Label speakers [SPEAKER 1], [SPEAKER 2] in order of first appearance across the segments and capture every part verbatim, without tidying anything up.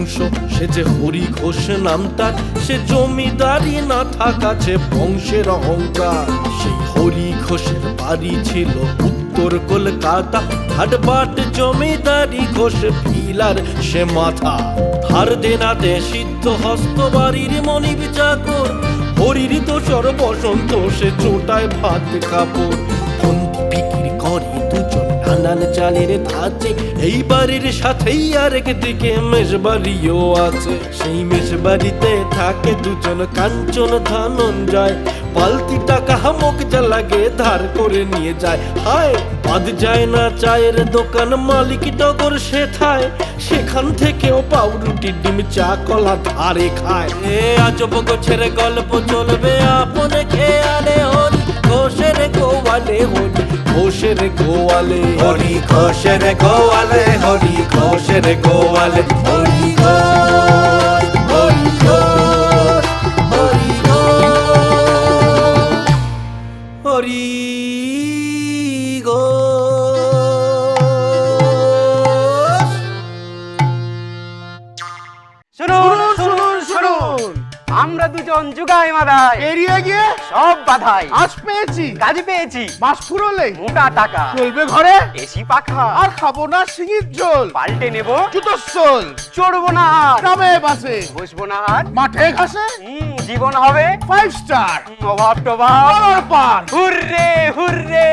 [SPEAKER 1] বংশ, সে যে হরি ঘোষ নামটা, সে জমিদারি না থাকাছে বংশের অহংকার। সেই হরি ঘোষের বাড়ি ছিল উত্তর কলকাতা, হাটবাট জমিদারি ঘোষ ফিলার সে মাথা। ধার দেনাতে সিদ্ধ হস্ত বাড়ির মনিব চাকর, হরির দোসর বসন্ত সে চোটায় ভাত কাপড়। ফন্দি বিক্রি করে দুজন নানান চালের ধাঁচে, এই বাড়ির সাথেই আরেক দিকে মেষবাড়িও আছে। সেই মেষবাড়িতে থাকে দুজন কাঞ্চন ধনঞ্জয়, পালতি টাকা হামক যা লাগে ধার করে নিয়ে যায়। হায় বাদ যায় না চায়ের দোকান, মালিক টগর সে থায়, সেখান থেকেও পাউরুটি ডিম চা কলা ধারে খায়। এ আজব গোছের গল্প চলবে আপনে খেয়ালে, হরি ঘোষের গোয়ালে, হরি ঘোষের গোয়ালে, হরি ঘোষের গোয়ালে, হরি ঘোষের গোয়ালে, হরি ঘোষ, হরি ঘোষ, হরি ঘোষ, হরি ঘোষ।
[SPEAKER 2] শুনুন শুনুন শুনুন, আমরা দুজন যুগাই মাদাই,
[SPEAKER 3] এড়িয়ে গিয়ে
[SPEAKER 2] সব বাধাই
[SPEAKER 3] আজ পেয়েছি,
[SPEAKER 2] কাজ পেয়েছি,
[SPEAKER 3] মাস ফুরোলে
[SPEAKER 2] মোটা টাকা
[SPEAKER 3] চলবে ঘরে,
[SPEAKER 2] এসি পাখা,
[SPEAKER 3] আর খাবো না সিঙির ঝোল,
[SPEAKER 2] পাল্টে নেব
[SPEAKER 3] জুতোর সোল,
[SPEAKER 2] চড়বো না আর
[SPEAKER 3] গ্রামে বাসে,
[SPEAKER 2] বসবো না আর
[SPEAKER 3] মাঠে ঘাসে,
[SPEAKER 2] হুম, জীবন হবে
[SPEAKER 3] ফাইভ স্টার,
[SPEAKER 2] অভাব টভাব
[SPEAKER 3] পাওয়ার পার।
[SPEAKER 2] Hurray hurray.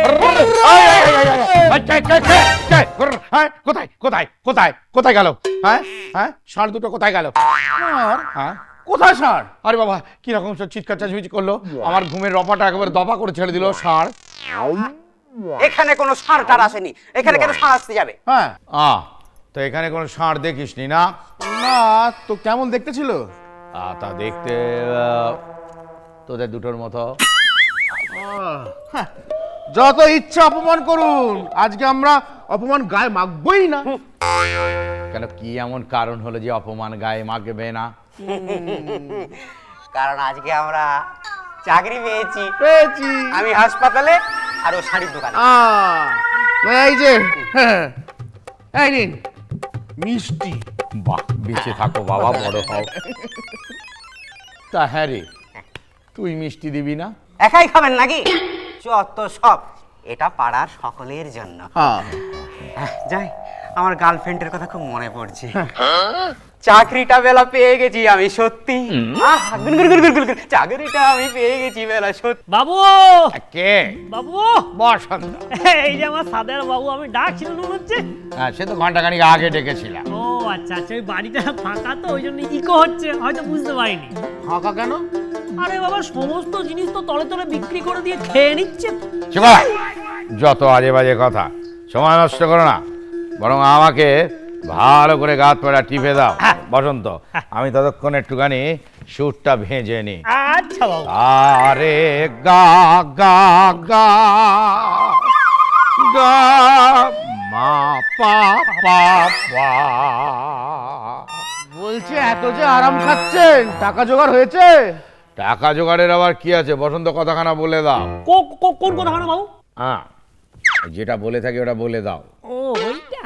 [SPEAKER 3] কোথায় কোথায় কোথায় কোথায় গেল? হ্যাঁ হ্যাঁ ষাঁড় দুটো কোথায় গেল? হ্যাঁ কোথায় ষাঁড়? আরে বাবা কিরকম সব চিৎকার চাঁচিমেচি করলো, আমার ঘুমের রপাটা একেবারে দফা করে ছেড়ে দিল। ষাঁড়?
[SPEAKER 2] এখানে কোনো ষাঁড় টার আসেনি, এখানে কেন ষাঁড় আসতে যাবে?
[SPEAKER 3] হ্যাঁ আ তো এখানে কোনো ষাঁড় দেখিসনি না? না তো কেমন দেখতে ছিল? আ তা দেখতে আহ, তোদের দুটোর মতো। যত ইচ্ছা অপমান করুন, আজকে আমরা অপমান গায়ে মাখবই না। কেন কি এমন কারণ হলো যে অপমান গায়ে মাখবে না?
[SPEAKER 2] কারণ আজকে আমরা চাকরি পেয়েছি,
[SPEAKER 3] পেয়েছি
[SPEAKER 2] আমি হাসপাতালে আর ও শাড়ির দোকানে।
[SPEAKER 3] এই যে হ্যাঁ, এই নিন মিষ্টি। বাহ বেঁচে থাকো বাবা, বড় হও। তা হ্যাঁ রে, তুই মিষ্টি দিবি না?
[SPEAKER 2] একাই খাবেন নাকি? যত সব, এটা পাড়ার সকলের জন্য।
[SPEAKER 3] হ্যাঁ
[SPEAKER 2] আহ, যাই, আমার গার্লফ্রেন্ডের কথা খুব মনে পড়ছে। চাকরিটা বেলা পেয়ে গেছি আমি সত্যি, আহ, গুন গুন গুন গুন গুন গুন। চাকরিটা আমি পেয়ে গেছি বেলা সত্যি।
[SPEAKER 4] বাবু
[SPEAKER 3] কে
[SPEAKER 4] বাবু
[SPEAKER 3] বসন্ত?
[SPEAKER 4] এই যে আমার সাদের বাবু, আমি ডাকছিল মনে হচ্ছে।
[SPEAKER 3] হ্যাঁ সে তো ঘন্টাখানিক আগে ডেকেছিলাম।
[SPEAKER 4] ও আচ্ছা আচ্ছা, ওই বাড়িটা ফাঁকা তো ওই জন্য ইকো হচ্ছে, হয়তো বুঝতে পারিনি।
[SPEAKER 3] ফাঁকা কেন?
[SPEAKER 4] আরে বাবা, সমস্ত জিনিস তো তলে তলে বিক্রি করে দিয়ে খেয়ে নিচ্ছে।
[SPEAKER 3] চুপ! যত আজে বাজে কথা, সময় নষ্ট করো না, বরং আমাকে ভালো করে গাত পাড়া টিপে দাও বসন্ত। আমি ততক্ষণ একটুখানি সুরটা ভেজে নি।
[SPEAKER 4] আচ্ছা বাবু।
[SPEAKER 3] আরে গা গা গা গা মা পা পা পা। বলছি এত যে আরাম খাচ্ছেন, টাকা জোগাড় হয়েছে? টাকা জোগাড়ের আবার কি আছে বসন্ত, কথাখানা বলে দাও।
[SPEAKER 4] কো- কো- কোন কথা না বাবু?
[SPEAKER 3] হ্যাঁ যেটা বলে থাকি ওটা বলে দাও।
[SPEAKER 4] ও ওইটা।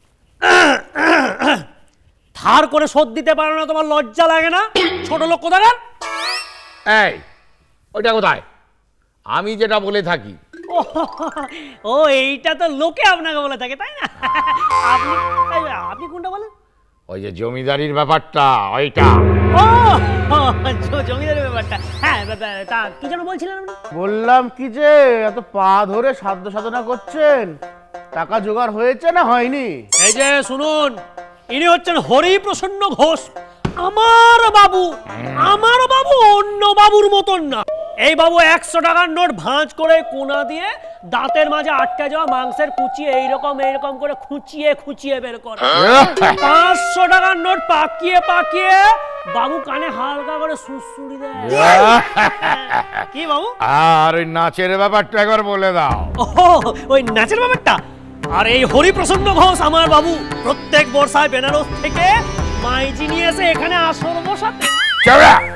[SPEAKER 4] ধার করে শোধ দিতে পারো না, তোমার লজ্জা লাগে না? ছোট লোক কোথাকার।
[SPEAKER 3] এই ওইটা কোথায়? আমি যেটা বলে থাকি।
[SPEAKER 4] ও, ও এইটা তো লোকে আপনাকে বলে থাকে তাই না? আপনি এই, আপনি কোনটা বলেন?
[SPEAKER 3] ওই যে জমিদারির ব্যাপারটা ওইটা।
[SPEAKER 4] ও জ- জমিদারের ব্যাপারটা। হ্যাঁ বা- বা- তা কি যেন বলছিলেন আপনি?
[SPEAKER 3] বললাম কি যে এত পা ধরে সাধ্য সাধনা করছেন, টাকা জোগাড় হয়েছে না হয়নি?
[SPEAKER 4] এই যে শুনুন, ইনি হচ্ছেন হরিপ্রসন্ন ঘোষ, আমার বাবু। আমার বাবু অন্য বাবুর মতন না। এই বাবু একশো টাকার নোট ভাঁজ করে কোনা দিয়ে দাঁতের মাঝে আটকে যাওয়া মাংসের কুচি এইরকম এইরকম করে খুঁচিয়ে খুঁচিয়ে বের করে। পাঁচশো টাকার নোট পাকিয়ে পাকিয়ে বাবু কানে হালকা করে সুড়সুড়ি দেয়। কি বাবু?
[SPEAKER 3] আর ওই নাচের ব্যাপারটা একবার বলে দাও।
[SPEAKER 4] ও ওই নাচের ব্যাপারটা। আর এই হরিপ্রসন্ন ঘোষ আমার বাবু প্রত্যেক বর্ষায় বেনারস থেকে মাইজি নিয়ে এসে এখানে আসর বসাতে।
[SPEAKER 3] চৌড়া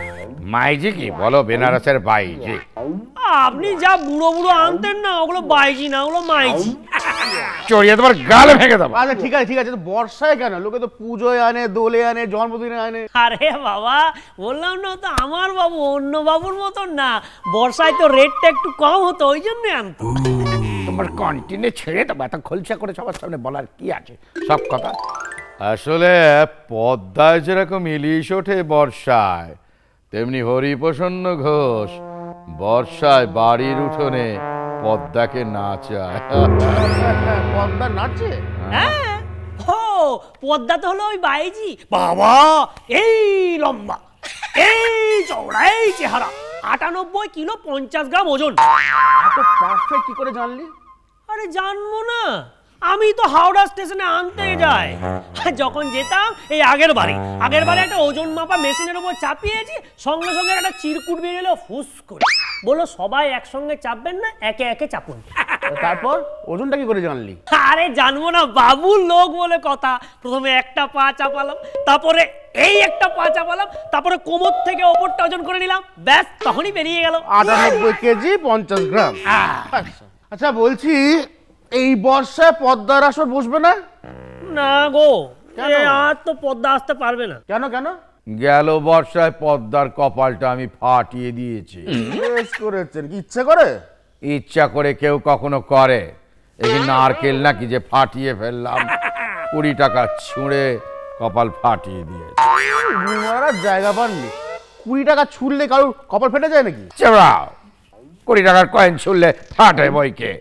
[SPEAKER 3] মাইজি কি বলো, বেনারসের বাইজি।
[SPEAKER 4] আপনি যা বুড়ো বুড়ো আনতেন না, ওগুলো বাইজি না, ওগুলো মাইজি।
[SPEAKER 3] চড়িয়ে তোমার গাল ভেঙে দেবো।
[SPEAKER 5] আচ্ছা ঠিক আছে ঠিক আছে, তো বর্ষায় কেন? লোকে তো পুজোয় আনে, দোলে আনে, জন্মদিনে আনে।
[SPEAKER 4] আরে বাবা, বললাম না তো আমার বাবু অন্য বাবুর মতন না, বর্ষায় তো রেটটা একটু কম হতো, ওই জন্য আনতো।
[SPEAKER 3] তোমার কন্টিনে ছেড়ে দেবো, এত খোলসা করে সবার সামনে বলার কি আছে সব কথা। আসলে পদ্মায় যেরকম ইলিশ ওঠে বর্ষায়, তেমনি হরিপ্রসন্ন ঘোষ বর্ষায় বাড়ির উঠোনে পদ্মাকে নাচায়।
[SPEAKER 5] পদ্মা নাচে?
[SPEAKER 4] হ্যাঁ, ও পদ্মা তো হলো ওই বাইজি। বাবা, এই লম্বা, এই চওড়া, এই চেহারা, আটানব্বই কিলো পঞ্চাশ গ্রাম ওজন।
[SPEAKER 5] এত পারফেক্ট কি করে জানলি?
[SPEAKER 4] আরে জানবো না, আমি তো হাওড়া স্টেশনে আনতে যাই, যখন যেতাম এই আগের বারে আগের বারে একটা ওজন মাপা মেশিনের উপর চাপিয়েছি, সঙ্গে সঙ্গে একটা চিরকুট বেরিয়ে এলো ফুস করে, বললো সবাই একসঙ্গে চাপবেন না, একে একে চাপুন।
[SPEAKER 5] তারপর ওজনটা কি করে জানলি?
[SPEAKER 4] আরে জানবো না, বাবুর লোক বলে কথা। প্রথমে একটা পা চাপালাম, তারপরে এই একটা পা চাপালাম, তারপরে কোমর থেকে ওপরটা ওজন করে নিলাম, ব্যাস তখনই বেরিয়ে গেল।
[SPEAKER 5] আটানব্বই কেজি পঞ্চাশ গ্রাম। আচ্ছা। আচ্ছা বলছি, এই বর্ষায় পদ্মার আসর বসবে না?
[SPEAKER 4] না গো,
[SPEAKER 5] কেন?
[SPEAKER 4] এ আর তো পদ্মা আসতে পারবে না।
[SPEAKER 5] কেন কেন?
[SPEAKER 3] গেল বর্ষায় পদ্মার কপালটা আমি ফাটিয়ে দিয়েছি।
[SPEAKER 5] বেশ করেছেন, কি ইচ্ছে করে?
[SPEAKER 3] ইচ্ছা করে কেউ কখনো করে? এই নারকেল নাকি যে ফাটিয়ে ফেললাম, কুড়ি টাকা ছুঁড়ে কপাল ফাটিয়ে দিয়েছে।
[SPEAKER 5] মারার জায়গা পাননি? কুড়ি টাকা ছুড়লে কারোর কপাল ফেটে যায় নাকি?
[SPEAKER 3] চেবড়াও, কুড়ি টাকার কয়েন ছুড়লে ফাটে বইকে।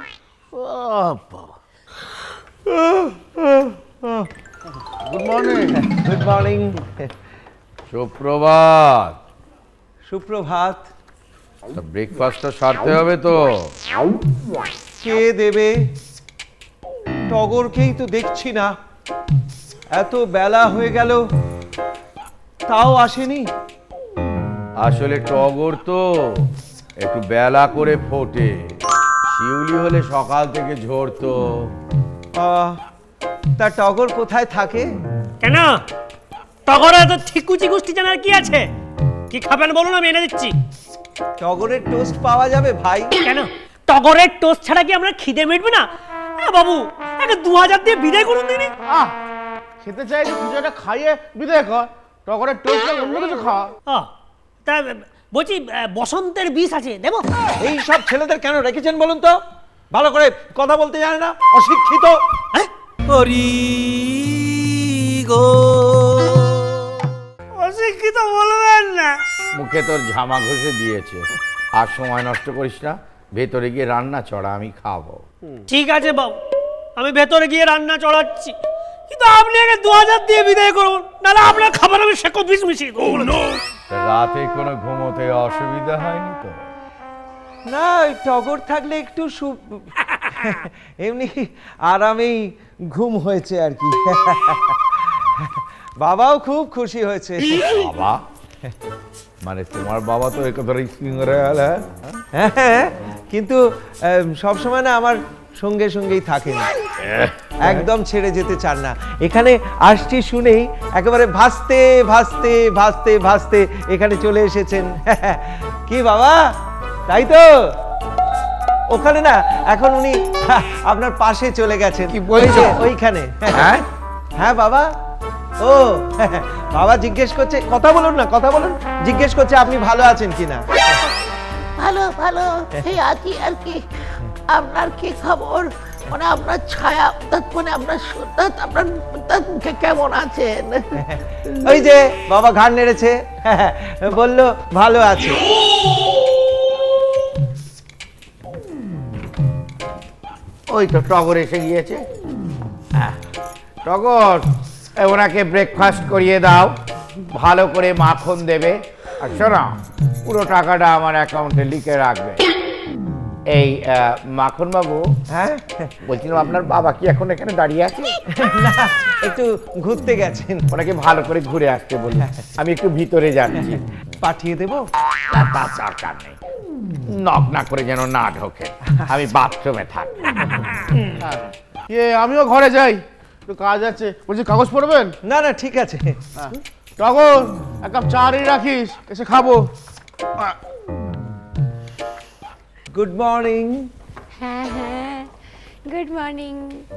[SPEAKER 5] Good morning.
[SPEAKER 6] Good morning.
[SPEAKER 3] সুপ্রভাত।
[SPEAKER 6] সুপ্রভাত।
[SPEAKER 3] ব্রেকফাস্টটা সারতে হবে তো।
[SPEAKER 6] কে দেবে? টগরকেই তো দেখছি না, এত বেলা হয়ে গেল তাও আসেনি।
[SPEAKER 3] আসলে টগর তো একটু বেলা করে ফোটে, শিউলি হলে সকাল থেকে ঝরতো।
[SPEAKER 6] আহ, তা টগর কোথায় থাকে?
[SPEAKER 4] কেন টগরে তো ঠিকুচি গুষ্টি জানার কি আছে? কি খাবেন বলুন, আমি এনে দিচ্ছি।
[SPEAKER 6] টগরের টোস্ট পাওয়া যাবে ভাই?
[SPEAKER 4] কেন টগরের টোস্ট ছাড়া কি আমরা খিদে মিটবে না? এ বাবু, একটা দু হাজার দিয়ে বিদায় করুন দিনি।
[SPEAKER 5] আহ, খেতে চাই যে পুজোটা খাইয়ে বিদায় কর। টগরের টোস্ট অন্য কিছু খা।
[SPEAKER 4] আহ, তা বলছি আহ, বসন্তের বিষ আছে, দেবো?
[SPEAKER 6] এই সব ছেলেদের কেন রেখেছেন বলুন তো? ভালো করে কথা বলতে জানে না, অশিক্ষিত।
[SPEAKER 4] হ্যাঁ,
[SPEAKER 1] হরি গো
[SPEAKER 4] অশিক্ষিত বলবেন না।
[SPEAKER 3] মুখে তোর ঝামা ঘষে দিয়েছে, আর সময় নষ্ট করিস না, ভেতরে গিয়ে রান্না চড়া, আমি খাবো।
[SPEAKER 4] ঠিক আছে বাবু, আমি ভেতরে গিয়ে রান্না চড়াচ্ছি, কিন্তু আপনি আগে দু হাজার দিয়ে বিদায় করুন, নাহলে আপনার খাবার আমি সেকো বিষ মিশিয়ে দেবো।
[SPEAKER 3] তা রাতে কোনো ঘুমোতে অসুবিধা হয়নি তো?
[SPEAKER 6] না, ওই টগর থাকলে একটু সু এমনি আরামেই ঘুম হয়েছে আর কি। বাবাও খুব খুশি হয়েছে।
[SPEAKER 3] বাবা মানে তোমার বাবা তো একদম সিঙ্গারে আলা।
[SPEAKER 6] হ্যাঁ, কিন্তু সব সময় না আমার সঙ্গে সঙ্গেই থাকেন, একদম ছেড়ে যেতে চান না। এখানে আসছি শুনেই একেবারে ভাসতে ভাসতে ভাসতে ভাসতে এখানে চলে এসেছেন। কি বাবা, তাই তো? ওখানে না এখন উনি আপনার পাশে চলে গেছেন।
[SPEAKER 3] কি বলছো?
[SPEAKER 6] ওই যে ওইখানে।
[SPEAKER 3] হ্যাঁ
[SPEAKER 6] হ্যাঁ বাবা। ও বাবা জিজ্ঞেস করছে, কথা বলুন না, কথা বলুন। জিজ্ঞেস করছে আপনি ভালো আছেন কিনা।
[SPEAKER 7] ভালো ভালো এই আছি আর কি। আপনার কি খবর? মানে আপনার ছায়া, অর্থাৎ মানে আপনার সুন্দর, আপনার অর্থাৎ কে- কেমন আছেন?
[SPEAKER 6] ওই যে বাবা ঘাড় নেড়েছে, বলল ভালো আছে।
[SPEAKER 3] ওই তো টগর এসে গিয়েছে। আহ, টগর, এ, ওনাকে ব্রেকফাস্ট করিয়ে দাও, ভালো করে মাখন দেবে, আর শোনো পুরো টাকাটা আমার অ্যাকাউন্টে লিখে রাখবে। এই আহ, মাখন বাবু,
[SPEAKER 6] হ্যাঁ,
[SPEAKER 3] বলছিলাম আপনার বাবা কি এখন এখানে দাঁড়িয়ে আছে?
[SPEAKER 6] না একটু ঘুরতে গেছেন।
[SPEAKER 3] ওনাকে ভালো করে ঘুরে আসতে বলি, আমি একটু ভিতরে যাচ্ছি।
[SPEAKER 6] পাঠিয়ে দেবো?
[SPEAKER 3] না, তার দরকার নেই, নক না করে যেন না ঢোকে, আমি বাথরুমে থাকি।
[SPEAKER 5] এ আমিও ঘরে যাই, একটু কাজ আছে। বলছি কাগজ পড়বেন?
[SPEAKER 6] না না ঠিক আছে।
[SPEAKER 5] টগর এক কাপ চা রে রাখিস, এসে খাবো।
[SPEAKER 6] Good morning.
[SPEAKER 8] হ্যাঁ হ্যাঁ, গুড মর্নিং।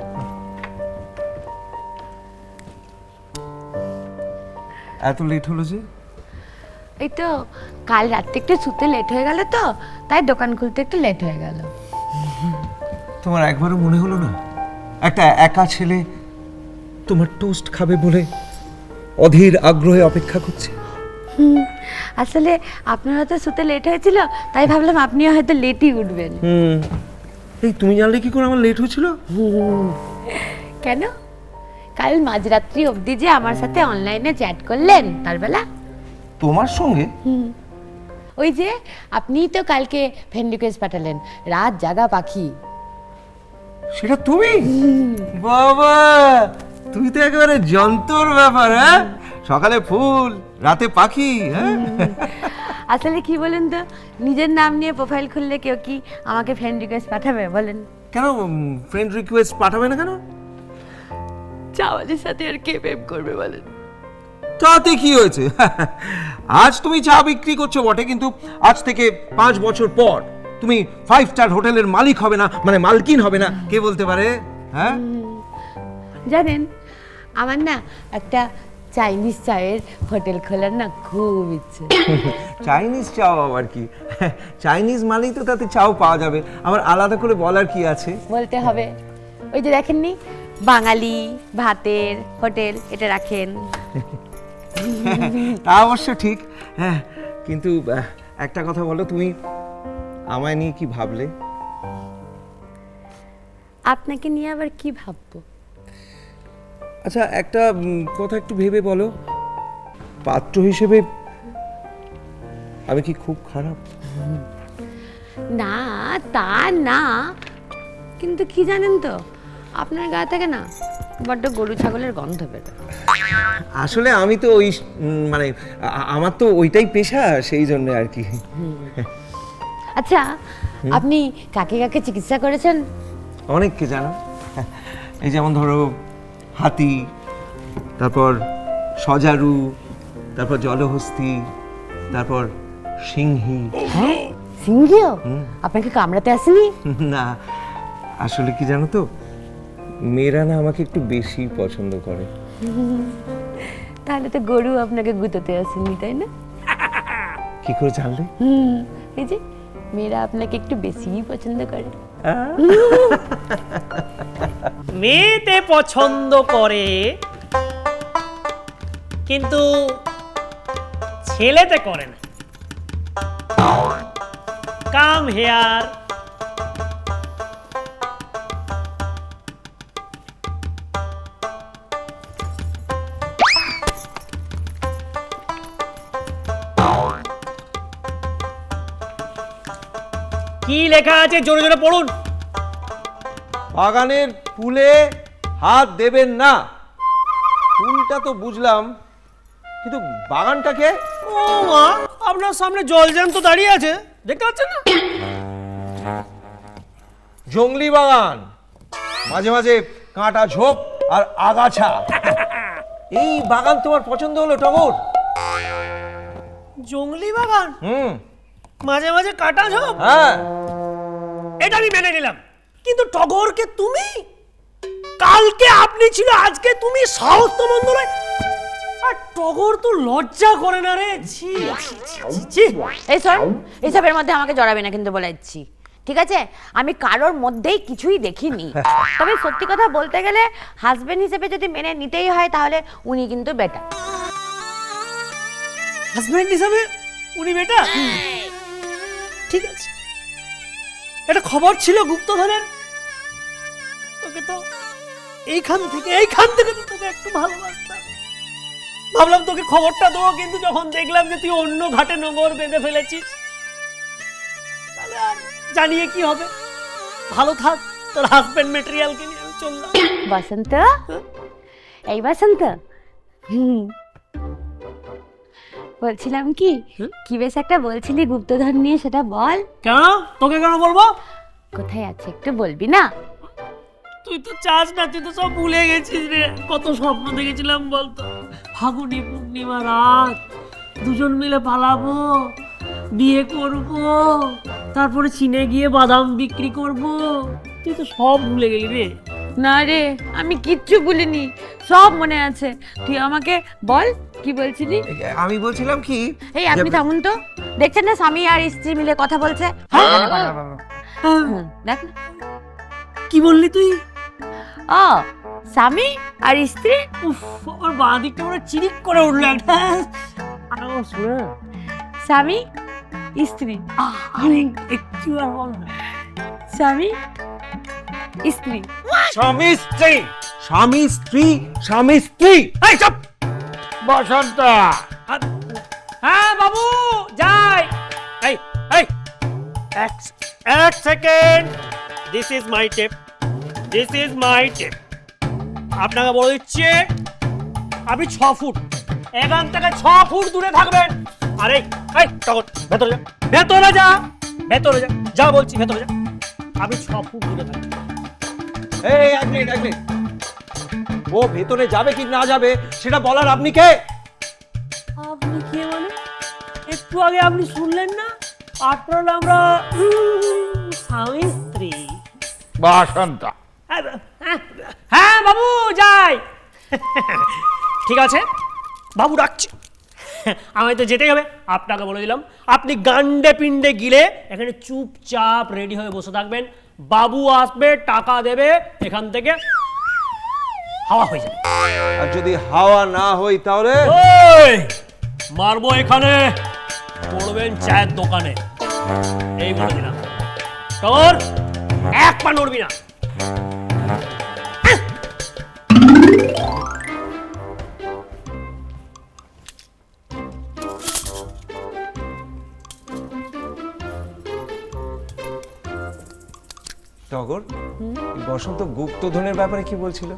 [SPEAKER 6] এত লেট হলো যে?
[SPEAKER 8] এই তো কাল রাত্রে একটু শুতে লেট হয়ে গেল, তো তাই দোকান খুলতে একটু লেট হয়ে গেল।
[SPEAKER 6] তোমার একবারও মনে হলো না একটা একা ছেলে তোমার টোস্ট খাবে বলে অধীর আগ্রহে অপেক্ষা করছে?
[SPEAKER 8] আসলে আপনার হয়তো শুতে লেট হয়েছিল, তাই ভাবলাম আপনিও হয়তো লেটই উঠবেন।
[SPEAKER 6] হুম। এই তুমি জানলে কি করে আমার লেট হয়েছিল?
[SPEAKER 8] কেন? কাল মাঝরাত্রি অবধি যে আমার সাথে অনলাইনে চ্যাট করলেন তার বেলা।
[SPEAKER 6] তোমার সঙ্গে?
[SPEAKER 8] ওই যে আপনিই তো কালকে ফ্রেন্ড রিকোয়েস্ট পাঠালেন, রাত জাগা পাখি।
[SPEAKER 6] সেটা তুমি? বাবা, তুই তো একেবারে যন্তর ব্যাপার। হ্যাঁ, সকালে ফুল, রাতে পাখি। হ্যাঁ,
[SPEAKER 8] আসলে কি বলেন তো, নিজের নাম নিয়ে প্রোফাইল খুললে কেউ কি আমাকে ফ্রেন্ড রিকোয়েস্ট পাঠাবে বলেন?
[SPEAKER 6] কেন ফ্রেন্ড রিকোয়েস্ট পাঠাবে না কেন?
[SPEAKER 8] চাওয়ালের সাথে আর কে প্রেম করবে বলেন?
[SPEAKER 6] তাতে কি হয়েছে? আজ তুমি চা বিক্রি করছো বটে, কিন্তু আজ থেকে পাঁচ বছর পর তুমি ফাইভ স্টার হোটেলের মালিক হবে না, মানে মালকিন হবে না, কে বলতে পারে? হ্যাঁ,
[SPEAKER 8] জানেন, আমার না একটা চাইনিজ চায়ের হোটেল খোলার না খুব ইচ্ছে।
[SPEAKER 6] চাইনিজ চাও আবার কি? চাইনিজ মানেই তো তাতে চাও পাওয়া যাবে, আমার আলাদা করে বলার কি আছে?
[SPEAKER 8] বলতে হবে। ওই যে দেখেননি, বাঙালি ভাতের হোটেল এটা রাখেন।
[SPEAKER 6] তা অবশ্য ঠিক। হ্যাঁ, কিন্তু আহ, একটা কথা বলো, তুমি আমায় নিয়ে কি ভাবলে?
[SPEAKER 8] আপনাকে নিয়ে আবার কি ভাববো?
[SPEAKER 6] আচ্ছা, একটা উম, কথা একটু ভেবে বলো, পাত্র হিসেবে আমি কি খুব খারাপ?
[SPEAKER 8] না, তা না, কিন্তু কি জানেন তো, আপনার গা থেকে না বড্ড গরু ছাগলের গন্ধ বেরোয়।
[SPEAKER 6] আসলে আমি তো ওই উম, মানে আ- আমার তো ওইটাই পেশা, সেই জন্য আর কি।
[SPEAKER 8] আচ্ছা, আপনি কাকে কাকে চিকিৎসা করেছেন?
[SPEAKER 6] অনেককে জানো, এই যেমন ধরো হাতি, তারপর সজারু, তারপর জলহস্তি, তারপর সিংহী।
[SPEAKER 8] হ্যাঁ, সিংহীও আপনাকে কামড়াতে আসেনি?
[SPEAKER 6] না, আসলে কি জানো তো, মেয়েরা না আমাকে একটু বেশি পছন্দ করে।
[SPEAKER 8] তাহলে তো গরু আপনাকে গুঁতোতে আসেনি, তাই না?
[SPEAKER 6] কি করে জানলে?
[SPEAKER 8] হুম, এই যে মেয়েরা আপনাকে একটু বেশিই পছন্দ করে।
[SPEAKER 4] মেয়েতে পছন্দ করে, কিন্তু ছেলেতে করে না। Come here. কি লেখা আছে জোরে জোরে পড়ুন।
[SPEAKER 6] বাগানের ফুলে হাত দেবেন না। ফুলটা তো বুঝলাম, কিন্তু বাগানটাকে?
[SPEAKER 4] ও মা, আপনার সামনে জলজ্যান্ত দাঁড়িয়ে আছে, দেখতে পাচ্ছেন না?
[SPEAKER 6] জংলি বাগান, মাঝে মাঝে কাঁটা ঝোপ আর আগাছা। এই বাগান তোমার পছন্দ হলো টগর?
[SPEAKER 4] জংলি বাগান,
[SPEAKER 6] হুম,
[SPEAKER 4] মাঝে মাঝে কাটা ঝোপ,
[SPEAKER 6] হ্যাঁ।
[SPEAKER 4] এটা আমি মেনে নিলাম, কিন্তু টগরকে তুমি? কালকে আপনি ছিল, আজকে তুমি? সাহস তো মন্দ নয়। আর টগর তো লজ্জা করে না রে। ছি ছি, ছি, ছি, ছি।
[SPEAKER 8] এই শোন, এইসবের মধ্যে আমাকে জড়াবে না কিন্তু, বলে দিচ্ছি, ঠিক আছে? আমি কারোর মধ্যেই কিছুই দেখিনি। তবে সত্যি কথা বলতে গেলে, হাজবেন্ড হিসেবে যদি মেনে নিতেই হয়, তাহলে উনি কিন্তু বেটার।
[SPEAKER 4] হাজবেন্ড হিসাবে উনি বেটা? ঠিক আছে, এটা খবর ছিল গুপ্তধনের। তোকে তো এইখান থেকে এইখান থেকে তো তোকে একটু ভালোবাসতাম, ভাবলাম তোকে খবরটা দেবো, কিন্তু যখন দেখলাম যে তুই অন্য ঘাটে নোঙর বেঁধে ফেলেছিস, তাহলে আর জানিয়ে কি হবে। ভালো থাক, তোর হাজবেন্ড মেটেরিয়ালকে নিয়ে আমি চললাম।
[SPEAKER 8] বসন্ত, এই বসন্ত, হুম, বলছিলাম কি, কি বেশ একটা বলছিলি গুপ্তধন নিয়ে, সেটা বল।
[SPEAKER 4] কেন? তোকে কেন বলবো?
[SPEAKER 8] কোথায় আছে একটু বলবি না?
[SPEAKER 4] তুই তো চাস না, তুই তো সব ভুলে গেছিস রে। কত স্বপ্ন দেখেছিলাম বলতো, ফাগুনি পূর্ণিমা রাত, দুজন মিলে পালাবো, বিয়ে করব, তারপরে চীনে গিয়ে বাদাম বিক্রি করব। তুই তো সব ভুলে গেলি রে।
[SPEAKER 8] না রে, আমি কিচ্ছু ভুলিনি, সব মনে আছে। তুই আমাকে বল কি বলছিলি?
[SPEAKER 6] আমি বলছিলাম কি,
[SPEAKER 8] এই আপনি থামুন তো, দেখছেন না স্বামী আর স্ত্রী মিলে কথা বলছে? হুম, দেখ না।
[SPEAKER 4] কি বললি তুই?
[SPEAKER 8] ও স্বামী আর স্ত্রী।
[SPEAKER 4] উফ, আমার বাঁ দিকটা ওরা চিরিক করে উঠলো একটা। আরো শুনে না।
[SPEAKER 8] স্বামী স্ত্রী,
[SPEAKER 4] আহ, আরে একটু আর বল না।
[SPEAKER 8] স্বামী স্ত্রী।
[SPEAKER 6] স্বামী স্ত্রী, স্বামী স্ত্রী, স্বামী স্ত্রী।
[SPEAKER 4] এই চুপ!
[SPEAKER 3] বসন্ত,
[SPEAKER 4] হ্যাঁ বাবু যাই। এই এই এক এক second, this is my tape, this is my tape. আপনাকে বলে দিচ্ছি, আপনি ছ ফুট এখান থেকে ছ ফুট দূরে থাকবেন। আরে এই তখন ভেতরে যা, ভেতরে যা, ভেতরে যা, যা বলছি ভেতরে যা। আপনি ছ ফুট দূরে থাকবেন।
[SPEAKER 6] এই এক মিনিট, এক মিনিট। ও ভেতরে যাবে কি না যাবে সেটা বলার আপনি কে?
[SPEAKER 4] আপনি কে মানে? একটু আগে আপনি শুনলেন না, আপনারা আমরা উম, স্বামী স্ত্রী।
[SPEAKER 3] বসন্ত।
[SPEAKER 4] হ্যাঁ বাবু যাই। ঠিক আছে বাবু ডাকছি, আমায় তো যেতেই হবে। আপনাকে বলে দিলাম, আপনি গান্ডে পিন্ডে গিলে এখানে চুপচাপ রেডি হয়ে বসে থাকবেন। বাবু আসবে, টাকা দেবে, এখান থেকে হাওয়া হয়ে যাবে।
[SPEAKER 6] আর যদি হাওয়া না হই তাহলে?
[SPEAKER 4] ওই মারবো এখানে, পড়বেন চায়ের দোকানে। এই বলে দিলাম, তোর এক পা নড়বি না।
[SPEAKER 6] টগর, এই বসন্ত গুপ্তধনের ব্যাপারে কি বলছিল?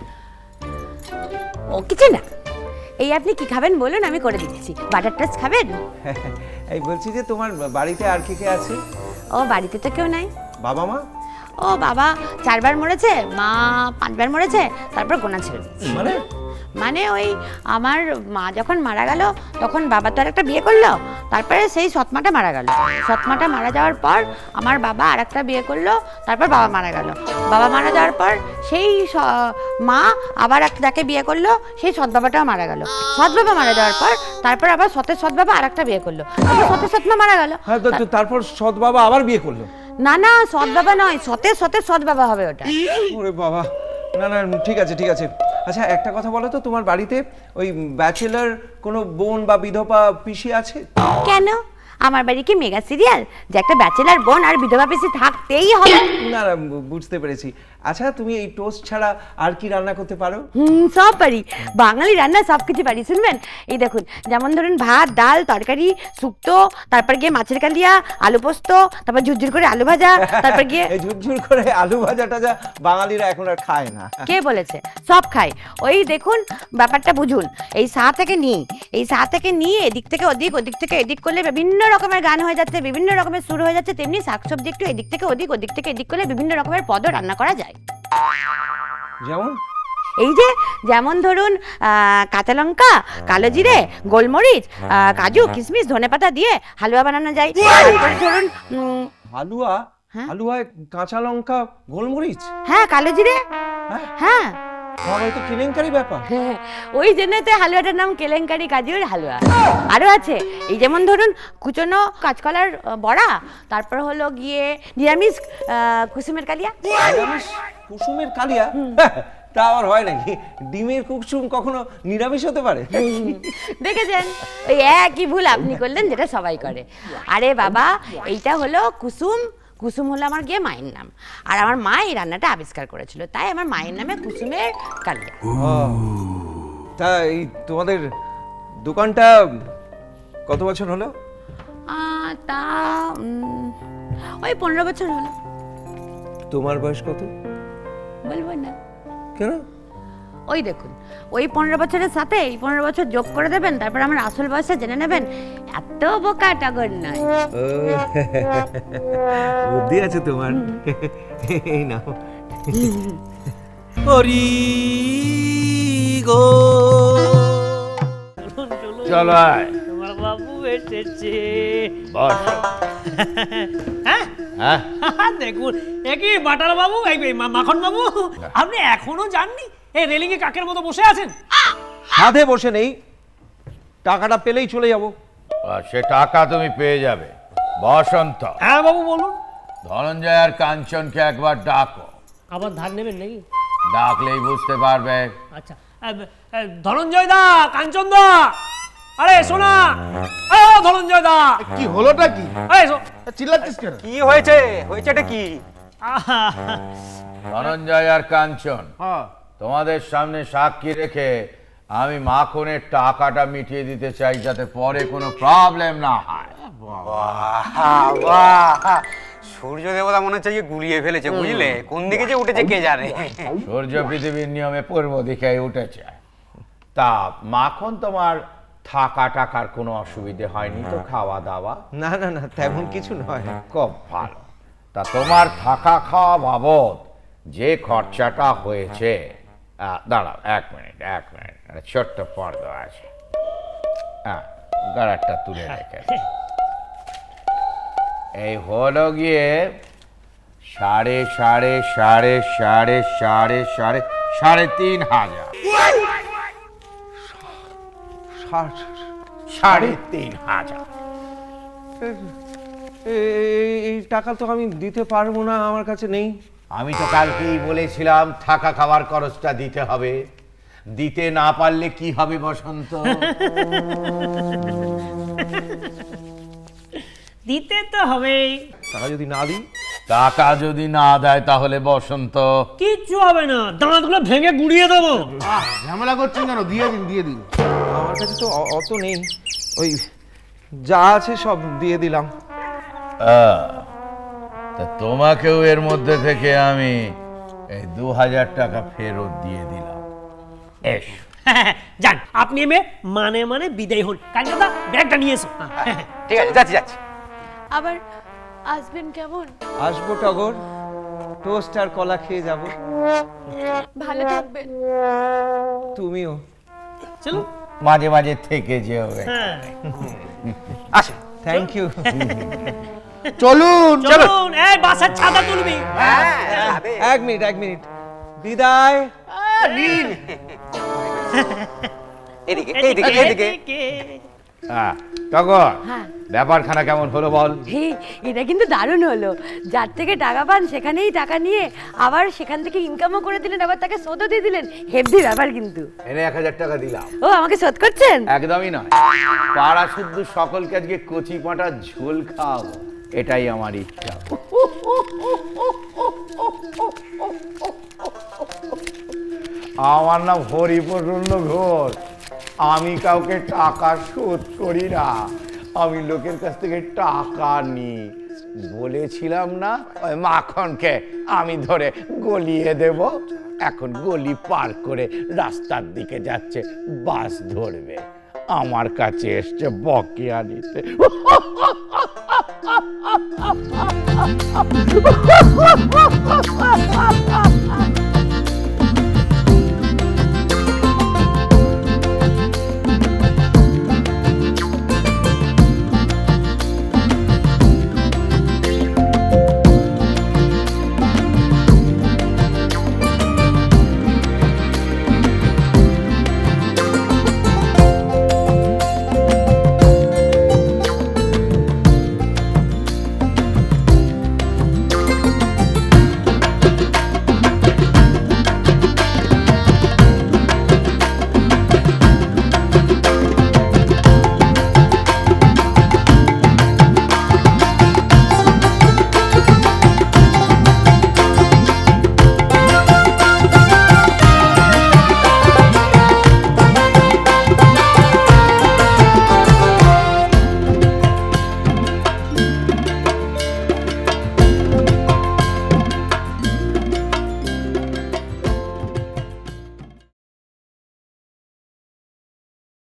[SPEAKER 8] ও কিছু না, এই আপনি কি খাবেন বলুন, আমি করে দিচ্ছি। বাটার টোস্ট খাবেন?
[SPEAKER 6] এই বলছি যে তোমার বাড়িতে আর কে কে আছে?
[SPEAKER 8] ও বাড়িতে তো কেউ নাই।
[SPEAKER 6] বাবা মা?
[SPEAKER 8] ও বাবা চারবার মরেছে, মা পাঁচবার মরেছে, তারপর গোনা ছেড়ে দিয়েছে।
[SPEAKER 6] মানে?
[SPEAKER 8] মানে ওই আমার মা যখন মারা গেল তখন বাবা তো আর একটা বিয়ে করলো, তারপরে সেই সৎমাটা মারা গেল। সৎমাটা মারা যাওয়ার পর আমার বাবা আর একটা বিয়ে করলো, তারপর বাবা মারা গেল। বাবা মারা যাওয়ার পর সেই স- মা আবার একটাকে বিয়ে করলো, সেই সৎ বাবাটাও মারা গেল। সৎ বাবা মারা যাওয়ার পর তারপর আবার সতের সৎ বাবা আর একটা বিয়ে করলো, তারপর সতের সৎমা মারা গেল।
[SPEAKER 6] হ্যাঁ, তো- তো তারপর সৎ বাবা আবার বিয়ে করলো?
[SPEAKER 8] না না, সৎ বাবা নয়, সতের সতের সৎ বাবা হবে ওটা।
[SPEAKER 6] ওরে বাবা, না না ঠিক আছে ঠিক আছে। আচ্ছা একটা কথা বলো তো, তোমার বাড়িতে ওই ব্যাচেলার কোনো বোন বা বিধবা পিসি আছে?
[SPEAKER 8] কেন? আমার বাড়ি কি মেগা সিরিয়াল যে একটা ব্যাচেলার বোন আর বিধবা পিসি থাকতেই হবে?
[SPEAKER 6] না না বু- বুঝতে পেরেছি। আচ্ছা তুমি এই টোস্ট ছাড়া আর কি রান্না করতে পারো?
[SPEAKER 8] হুম, সব পারি, বাঙালি রান্না সব কিছু পারি। শুনবেন, এই দেখুন, যেমন ধরুন ভাত, ডাল, তরকারি, শুক্তো, তারপর গিয়ে মাছের কালিয়া, আলু পোস্ত, তারপর ঝুরঝুর করে আলু ভাজা, তারপর গিয়ে
[SPEAKER 6] এই ঝুরঝুর করে আলু ভাজা টাজা বাঙালিরা এখন আর খায় না।
[SPEAKER 8] কে বলেছে? সব খাই। ওই দেখুন ব্যাপারটা বুঝুন, এই সা থেকে নিয়ে এই সা থেকে নিয়ে এদিক থেকে ওদিক, ওদিক থেকে এদিক করলে বিভিন্ন রকমের গান হয়ে যাচ্ছে, বিভিন্ন রকমের সুর হয়ে যাচ্ছে। তেমনি শাকসবজি একটু এদিক থেকে ওদিক, ওদিক থেকে এদিক করলে বিভিন্ন রকমের পদও রান্না করা যায়।
[SPEAKER 6] যেমন?
[SPEAKER 8] এই যে যেমন ধরুন আহ, কাঁচা লঙ্কা, কালো জিরে, গোলমরিচ, আহ, কাজু, কিশমিশ, ধনেপাতা দিয়ে হালুয়া বানানো যায়। তারপরে ধরুন উম,
[SPEAKER 6] হালুয়া?
[SPEAKER 8] হ্যাঁ।
[SPEAKER 6] হালুয়ায় কাঁচা লঙ্কা, গোলমরিচ?
[SPEAKER 8] হ্যাঁ কালো জিরে, হ্যাঁ
[SPEAKER 6] বাবা, এ তো কেলেঙ্কারি ব্যাপার।
[SPEAKER 8] হ্যাঁ, ওই জন্যতে হালুয়াটার নাম কেলেঙ্কারি কাজুর হালুয়া। আরও আছে, এই যেমন ধরুন কুচনো কাঁচকলার আহ, বড়া, তারপর হলো গিয়ে নিরামিষ আহ, কুসুমের কালিয়া।
[SPEAKER 6] নিরামিষ কুসুমের কালিয়া? তা আবার হয় নাকি? ডিমের কুসুম কখনো নিরামিষ হতে পারে?
[SPEAKER 8] দেখেছেন, ওই একই ভুল আপনি করলেন যেটা সবাই করে। আরে বাবা, এইটা হলো কুসুম। কুসুম হলো আমার গিয়ে মায়ের নাম, আর আমার মা এই রান্নাটা আবিষ্কার করেছিল, তাই আমার মায়ের নামে কুসুমের কালিয়া।
[SPEAKER 6] তা এই তোমাদের দোকানটা কত বছর হলো?
[SPEAKER 8] আহ, তা উম, ওই পনেরো বছর হলো।
[SPEAKER 6] তোমার বয়স কত?
[SPEAKER 8] বলবো না।
[SPEAKER 6] কেন?
[SPEAKER 8] ওই দেখুন, ওই পনেরো বছরের সাথে এই পনেরো বছর যোগ করে দেবেন, তারপর আমার আসল বয়সটা জেনে নেবেন। এত বোকা টগর নয়।
[SPEAKER 6] ও, বুদ্ধি আছে তোমার। এই নাও।
[SPEAKER 1] হরি গো
[SPEAKER 3] চলো আয়
[SPEAKER 4] তোমার বাবু এসেছে।
[SPEAKER 3] বসো।
[SPEAKER 4] হ্যাঁ
[SPEAKER 3] হ্যাঁ
[SPEAKER 4] দেখুন একই বাটার বাবু এই এই মা- মাখন বাবু আপনি এখনো জাননি এই রেলিং এ কাকের মতো বসে আছেন।
[SPEAKER 6] সাধে বসে নেই, টাকাটা পেলেই চলে যাব।
[SPEAKER 3] আর সে টাকা তুমি পেয়ে যাবে। বসন্ত,
[SPEAKER 4] হ্যাঁ বাবু বলুন।
[SPEAKER 3] ধনঞ্জয় আর কাঞ্চনকে একবার ডাকো।
[SPEAKER 4] আবার ধার নেবেন নাকি?
[SPEAKER 3] ডাকলেই বুঝতে পারবে।
[SPEAKER 4] আচ্ছা এ- এ, ধনঞ্জয় দা, কাঞ্চন দা, আরে শোনা, এ, ও ধনঞ্জয় দা,
[SPEAKER 5] কি হলোটা কি?
[SPEAKER 4] এই শো-
[SPEAKER 5] চিল্লাচ্ছিস কেন?
[SPEAKER 2] কি হয়েছে হয়েছেটা কি?
[SPEAKER 4] আহা,
[SPEAKER 3] ধনঞ্জয় আর কাঞ্চন,
[SPEAKER 5] হ্যাঁ
[SPEAKER 3] তোমাদের সামনে সাক্ষী রেখে আমি মাখনের টাকাটা মিটিয়ে দিতে চাই, যাতে পরে কোনো প্রবলেম না হয়।
[SPEAKER 2] বাহ, বাহ। সূর্য দেবতা মনে হচ্ছে যে গুলিয়ে ফেলেছে, বুঝলে? কোন দিকে যে উঠেছে কে জানে।
[SPEAKER 3] সূর্য পৃথিবীর নিয়মে পূর্ব দিকে উঠেছে। তা মাখন, তোমার থাকা টাকার কোনো অসুবিধে হয়নি তো? খাওয়া দাওয়া?
[SPEAKER 6] না না না, তেমন কিছু নয়।
[SPEAKER 3] খুব ভালো। তা তোমার থাকা খাওয়া বাবদ যে খরচাটা হয়েছে, আহ, দাঁড়াও এক মিনিট এক মিনিট একটা ছোট্ট পর্দা আছে, হ্যাঁ গাড়ারটা তুলে রেখে এই হলো গিয়ে সাড়ে সাড়ে সাড়ে সাড়ে সাড়ে সাড়ে সাড়ে তিন হাজার
[SPEAKER 6] ষাট
[SPEAKER 3] সাড়ে তিন হাজার
[SPEAKER 6] এই এই টাকা তো আমি দিতে পারবো না, আমার কাছে নেই।
[SPEAKER 3] আমি তো কালকেই বলেছিলাম থাকা খাওয়ার খরচটা দিতে হবে। দিতে না পারলে কি হবে বসন্ত?
[SPEAKER 4] দিতে তো হবেই।
[SPEAKER 6] টাকা যদি না দিই?
[SPEAKER 3] টাকা যদি না দেয় তাহলে বসন্ত
[SPEAKER 4] কিচ্ছু হবে না, দাঁতগুলো ভেঙে গুড়িয়ে দেবো।
[SPEAKER 5] আহ, ঝামেলা করছেন কেন? দিয়ে দিন দিয়ে দিন।
[SPEAKER 6] আমার কাছে তো অ- অত নেই, ওই যা আছে সব দিয়ে দিলাম।
[SPEAKER 3] আহ, তা তোমাকেও এর মধ্যে থেকে আমি এই দু হাজার টাকা ফেরত দিয়ে দিলাম। এস
[SPEAKER 4] যান আপনি এমে মানে মানে বিদায় হন। কাঞ্চন দা ব্যাগটা নিয়ে এসো। হ্যাঁ,
[SPEAKER 2] ঠিক আছে, যাচ্ছি যাচ্ছি।
[SPEAKER 8] আবার আসবেন কেমন?
[SPEAKER 6] আসবো টগর, টোস্ট আর কলা খেয়ে যাব।
[SPEAKER 8] ভালো থাকবেন।
[SPEAKER 6] তুমিও।
[SPEAKER 4] চলো।
[SPEAKER 3] মাঝে মাঝে থেকে যেও।
[SPEAKER 4] হ্যাঁ
[SPEAKER 2] আসো।
[SPEAKER 6] Thank you.
[SPEAKER 5] চলুন
[SPEAKER 4] চলুন, এই বাসার ছাতা তুলবি।
[SPEAKER 2] হ্যাঁ, যাবে।
[SPEAKER 6] এক মিনিট এক মিনিট, বিদায়।
[SPEAKER 2] এদিকে এইদিকে এইদিকে।
[SPEAKER 3] হ্যাঁ টগর,
[SPEAKER 8] হ্যাঁ।
[SPEAKER 3] ব্যাপারখানা কেমন হলো বল?
[SPEAKER 8] হে, এটা কিন্তু দারুণ হলো। যার থেকে টাকা পান সেখানেই টাকা নিয়ে আবার সেখান থেকে ইনকামও করে দিলেন, আবার তাকে শোধও দিয়ে দিলেন। হেভি ব্যাপার কিন্তু।
[SPEAKER 3] এনে এক হাজার টাকা দিলাম।
[SPEAKER 8] ও আমাকে শোধ করছেন?
[SPEAKER 3] একদমই নয়, পাড়া শুদ্ধ সকলকে আজকে কচি পাঁটা ঝোল খাওয়াবো, এটাই আমার ইচ্ছা। আমার নাম হরিপ্রসন্ন ঘোষ। আমি কাউকে টাকা শোধ করি না, আমি লোকের কাছ থেকে টাকা নিই। বলেছিলাম না ওই মাখনকে আমি ধরে গলিয়ে দেব। এখন গলি পার করে রাস্তার দিকে যাচ্ছে, বাস ধরবে। আমার কাছে এসছে বকেয়া নিতে।